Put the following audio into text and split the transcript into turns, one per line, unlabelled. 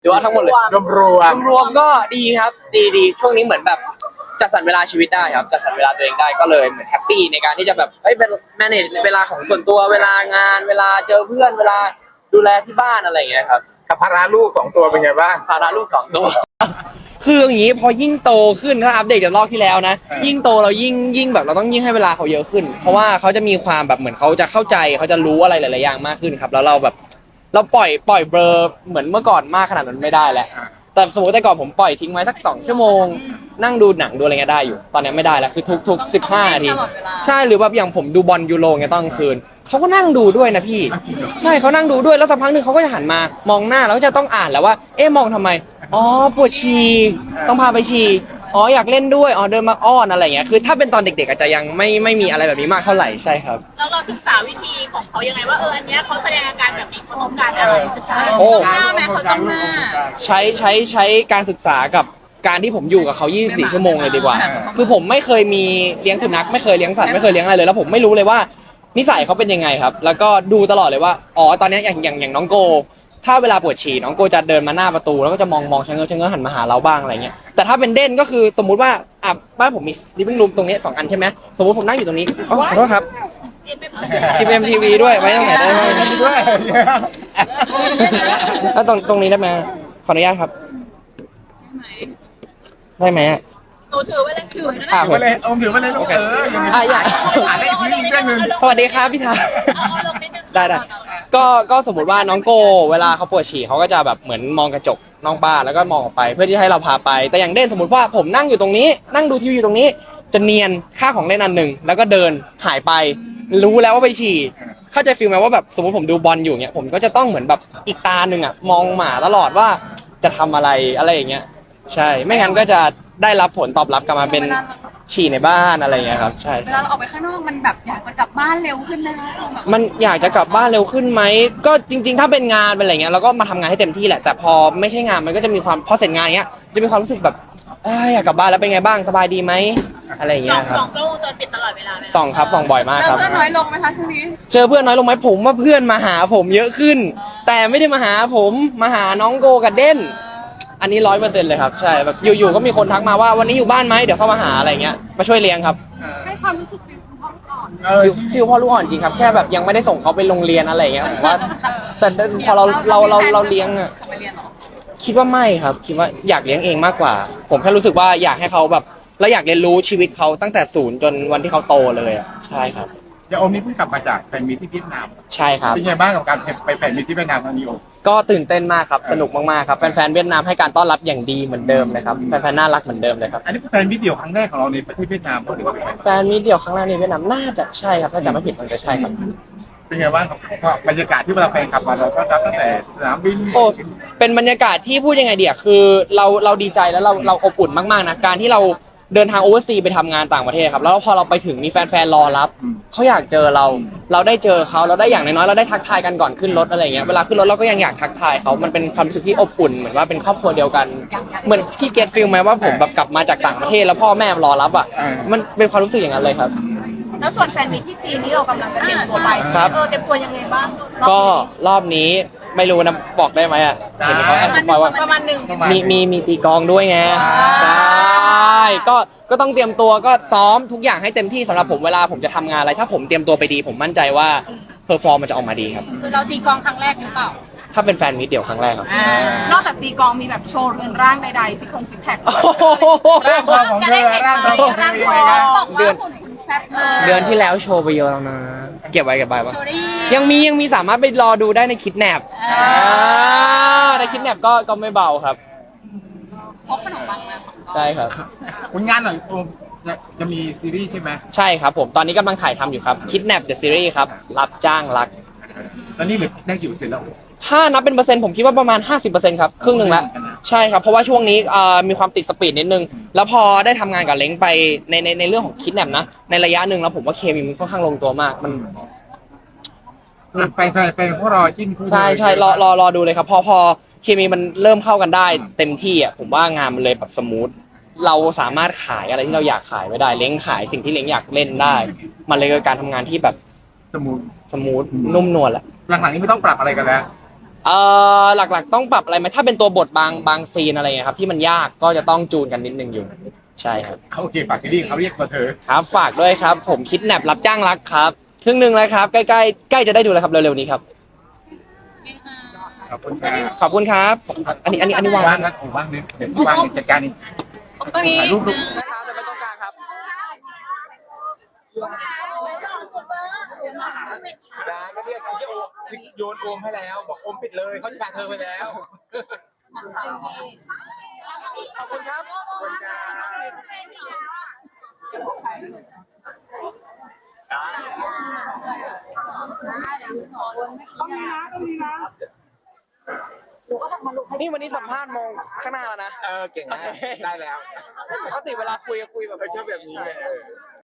หรือว่าทั้งหมดเลย
รวม
รวมก็ดีครับดีช่วงนี้เหมือนแบบจัดสรรเวลาชีวิตได้ครับจัดสรรเวลาตัวเองได้ก็เลยเหมือนแฮปปี้ในการที่จะแบบเป็น manage เวลาของส่วนตัวเวลางานเวลาเจอเพื่อนเวลาดูแลที่บ้านอะไรอย่างเงี้ยครับ
กับภาระลูก2 ตัวเป็นไงบ้าง
ภาระลูก2 ตัว คืออย่างนี้พอยิ่งโตขึ้นถ้าอัปเดตจากรอบที่แล้วนะยิ่งโตเรายิ่งแบบเราต้องยิ่งให้เวลาเขาเยอะขึ้นเพราะว่าเขาจะมีความแบบเหมือนเขาจะเข้าใจเขาจะรู้อะไรหลายๆอย่างมากขึ้นครับแล้วเราแบบเราปล่อยเบลอเหมือนเมื่อก่อนมากขนาดนั้นไม่ได้แล้วแต่สมมติแต่ก่อนผมปล่อยทิ้งไว้สัก2 ชั่วโมงนั่งดูหนังดูอะไรเงี้ยได้อยู่ตอนนี้ไม่ได้แล้วคือทุก15 นาทีใช่หรือแบบอย่างผมดูบอลยูโรเงี้ยตอนกลางคืนเขาก็นั่งดูด้วยนะพี่ใช่เขานั่งดูด้วยแล้วสักพักหนึ่งเขาก็จะหันมามองหน้าแล้วก็จะต้องอ่านแล้วว่าเอ๊ะมองทำไมอ๋อปวดฉี่ต้องพาไปฉี่อ๋ออยากเล่นด้วยอ๋อเดินมาอ้อนอะไรเงี้ยคือถ้าเป็นตอนเด็กๆอาจจะยังไม่มีอะไรแบบนี้มากเท่าไหร่ใช่ครับ
แล้วเราศึกษาวิธีของเขายังไงว่าอันเนี้ยเขาแสดงอาการแบบนี้เขาต้องการอะไรศึกษา
โอ้
หน้าแม่เขาต้องหน้า
ใช้การศึกษากับการที่ผมอยู่กับเขา24 ชั่วโมงเลยดีกว่าคือผมไม่เคยมีเลี้ยงสุนัขไม่เคยเลี้ยงสัตว์ไม่เคยเลี้ยงอะไรเลยแล้วผมไม่รู้เลยว่านิสัยเขาเป็นยังไงครับแล้วก็ดูตลอดเลยว่าอ๋อตอนนี้อย่างน้องโกถ้าเวลาปวดฉี่น้องโกจะเดินมาหน้าประตูแล้วก็จะมองชะเง้อหันมาหาเราบ้างอะไรเงี้ยแต่ถ้าเป็นเด่นก็คือสมมุติว่าบ้านผมมีลิฟวิ่งรูมตรงนี้2 อันใช่ไหมสมมติผมนั่งอยู่ตรงนี้อ๋อขอโทษครับGMMTV ด้วยไว้ตรงไหนได้ไหม
ด้วย
แล้วตรงนี้ได้ไหมขออนุญาตครับได้ไหมอ่ะ
ตัวถือไว้เลยถือไว้นะ
ถือมาเลยถือมาเลยลูกยังไงอ่านได้อีกทีเรื่องนึง
สวัสดีครับพี่ทา
เอาลงนิดนึง
ได้ก็สมมติว่าน้องโกเวลาเขาปวดฉี่เขาก็จะแบบเหมือนมองกระจกนอกบ้านแล้วก็มองออกไปเพื่อที่ให้เราพาไปแต่อย่างเด่นสมมติว่าผมนั่งอยู่ตรงนี้นั่งดูทีวีอยู่ตรงนี้จะเนียนค่าของเล่นอันหนึ่งแล้วก็เดินหายไปรู้แล้วว่าไปฉี่เข้าใจฟีลไหมว่าแบบสมมติผมดูบอลอยู่เงี้ยผมก็จะต้องเหมือนแบบอีกตาหนึ่งอ่ะมองหมาตลอดว่าจะทำอะไรอย่างเงี้ยใช่ไม่งั้นก็จะได้รับผลตอบรับกลับมาเป็นฉี่ในบ้านอะไรอย่างเงี้ยครับใช่
เวลาเราออกไปข้างนอกมันแบบอยากจะกลับบ้านเร็วขึ้นนะแบบ
มันอยากจะกลับบ้านเร็วขึ้นไหมก็จริงๆถ้าเป็นงานเป็นอะไรเงี้ยเราก็มาทำงานให้เต็มที่แหละแต่พอไม่ใช่งานมันก็จะมีความพอเสร็จงานเงี้ยจะมีความรู้สึกแบบอยากกลับบ้านแล้วเป็นไงบ้างสบายดีไหมอะไรอย่างเงี้ยครับ
สองกล้องวงจรปิดตลอดเวลาไหม
ส่องครับส่องบ่อยมากครับ
เพื่อนน้อยลงไหมคะช่วงนี้
เจอเพื่อนน้อยลงไหมผมว่าเพื่อนมาหาผมเยอะขึ้น แต่ไม่ได้มาหาผมมาหาน้องโกกับเด่นอันนี้100%เลยครับใช่แบบอยู่ๆก็มีคนทักมาว่าวันนี้อยู่บ้านไหมเดี๋ยวเข้ามาหาอะไรเงี้ยมาช่วยเลี้ยงครับ
ให้ความรู้สึกฟิลคุณพ่อก่อน
ฟิลพ่อลูกอ่อนจริงครับแค่แบบยังไม่ได้ส่งเขาไปโรงเรียนอะไรเงี้ยผมว่าแต่พอเราเลี้ยงอะ
ส่งไปเรียนเหรอ
คิดว่าไม่ครับคิดว่าอยากเลี้ยงเองมากกว่า ผมแค่รู้สึกว่าอยากให้เขาแบบเราอยากเรียนรู้ชีวิตเขาตั้งแต่ศูนย์จนวันที่เขาโตเลยอ่ะใช่ครับ
เดี๋ยวโอมนี่เพิ่งกลับมาจากแฟนมีตที่เวียดนาม
ใช่ครับ
เป็นไงบ้างกับการไปแฟนมีตที่เวียดนามครั้งนี้โอม
ก็ตื่นเต้นมากครับสนุกมากๆครับแฟนๆเวียดนามให้การต้อนรับอย่างดีเหมือนเดิมเลยครับแฟนๆน่ารักเหมือนเดิมเลยครับ
อันนี้เป็นแฟนมีตเดี่ยวครั้งแรกของเราในประเทศเวียดนามหรือว่าเป็นไง
แฟนมิตรเดียวครั้งแรกในเวียดนามน่าจะใช่ครับถ้าจำไม่ผิดมันจะใช่ครับ
เป็นไงบ้างกับบรรยากาศที่เวลาแฟนกลับมาเราก็รับตั้งแต่สนามบิน
โอ้เป็นบรรยากาศที่พูดยังไงเดียคือเราดีใจแล้วเราอบอุ่นมากๆนะการที่เราเดินทางโอเวอร์ซีไปทำงานต่างประเทศครับแล้วพอเราไปถึงมีแฟนๆรอรับเขาอยากเจอเราได้เจอเขาเราได้อย่างน้อยๆเราได้ทักทายกันก่อนขึ้นรถอะไรเงี้ยเวลาขึ้นรถเราก็ยังอยากทักทายเขามันเป็นความรู้สึกที่อบอุ่นเหมือนว่าเป็นครอบครัวเดียวกันเหมือนพี่เกตฟิลไหมว่าผมแบบกลับมาจากต่างประเทศแล้วพ่อแม่รอรับอ่ะมันเป็นความรู้สึกอย่างนั้นเลยครับ
แล้วส่วนแฟนมิตรที่จีนนี่เรากำลังจะเตรียมตัวไปใช่ไห
ค
ม
รับ
เตรียมตัวยังไงบ้าง
ก็รอบนี้ไม่รู้นะบอกได้ไหมอ่ะเห็นเขาแอบสปอยว่า
ประมาณหนึ่ง
มีตีกลองด้วยไงใช่ก็ต้องเตรียมตัวก็ซ้อมทุกอย่างให้เต็มที่สำหรับผมเวลาผมจะทำงานอะไรถ้าผมเตรียมตัวไปดีผมมั่นใจว่าเพอร์ฟอร์มมันจะออกมาดีครับ
คือเราตีกลองครั้งแรกหรือเปล่า
ถ้าเป็นแฟนมิตรเดี่ยวครั้งแรกครับ
นอกจากตีกลองมีแบบโชว์เรือนร่างใดๆซิกแพค
ร่างทองของเธอร่างทองของเธอยังไงกัน
บอกว่าหุ่นคุณแซ่บ
เดือนที่แล้วโชว์ไปเยอะแล้วนะเก็บไว้ปะ
โชว์ได้
ยังมีสามารถไปรอดูได้ในคิดแนบในคิดแนบก็ไม่เบาครับ
พกขนมปังมา2 กล่อง
ใช่ครับ
ผลงานหน่อยโอมจะมีซีรีส์ใช่ไหม
ใช่ครับผมตอนนี้กำลังถ่ายทำอยู่ครับคิดแนบเดอะซีรีส์ครับรับจ้างรัก
ตอนนี้เหลือได้กี่เปอร์เซ็นต์แล้ว
ถ้านับเป็นเปอร์เซ็นต์ผมคิดว่าประมาณ 50%ครับครึ่งหนึ่งแล้วใช่ครับเพราะว่าช่วงนี้มีความติดสปีดนิดนึงแล้วพอได้ทำงานกับเล้งไปในเรื่องของคิดแนบนะในระยะหนึ่งแล้วผมว่าเคมีมันค่อนข้างลงตัวมากมัน
ไปพวกรอจิ้นคู่
ใช่รอดูเลยครับพอเคมีมันเริ่มเข้ากันได้เต็มที่อ่ะผมว่างานมันเลยแบบสมูทเราสามารถขายอะไรที่เราอยากขายไว้ได้เล้งขายสิ่งที่เล้งอยากเล่นได้ มันเลยเป็นการทำงานที่แบบ
สมุน
สมูทนุ่มนวลแหละ
หลังๆนี้ไม่ต้องปรับอะไรกันแล้ว
หลักๆต้องปรับอะไรไหมถ้าเป็นตัวบทบางซีนอะไรเงี้ยครับที่มันยากก็จะต้องจูนกันนิดนึงอยู่ใช่ครับ
โอเคฝากที่นี่เขาเรียกมาเธอ
ครับฝากด้วยครับผมคิดแนบรับจ้างรักครับครึ่งหนึ่งแล้วครับใกล้ๆใกล้จะได้ดูแล้วครับเร็วๆนี้ครับ
ขอบคุณครับ
ขอบคุณครับอันนี้วาง
ว่างนะผมว่างนี่เดี๋ยวว่างจัดการนี่
ก็มี
ถ่ายรูปลูก
ครับจะไปตรงกลางครับ
ดาก็เรียกที่โยนโอมให้แล้ว บอกโอมปิดเลยเขาจะพาเธอไปแล้ว
ขอบคุณครับ
ขอบคุณครับ
นี่วันนี้สัมภาษณ์มองข้างหน้าแล้วนะ
เก่งมากได้แล้ว
ปกติเวลาคุยแบบ
ชอบแบบนี้ไง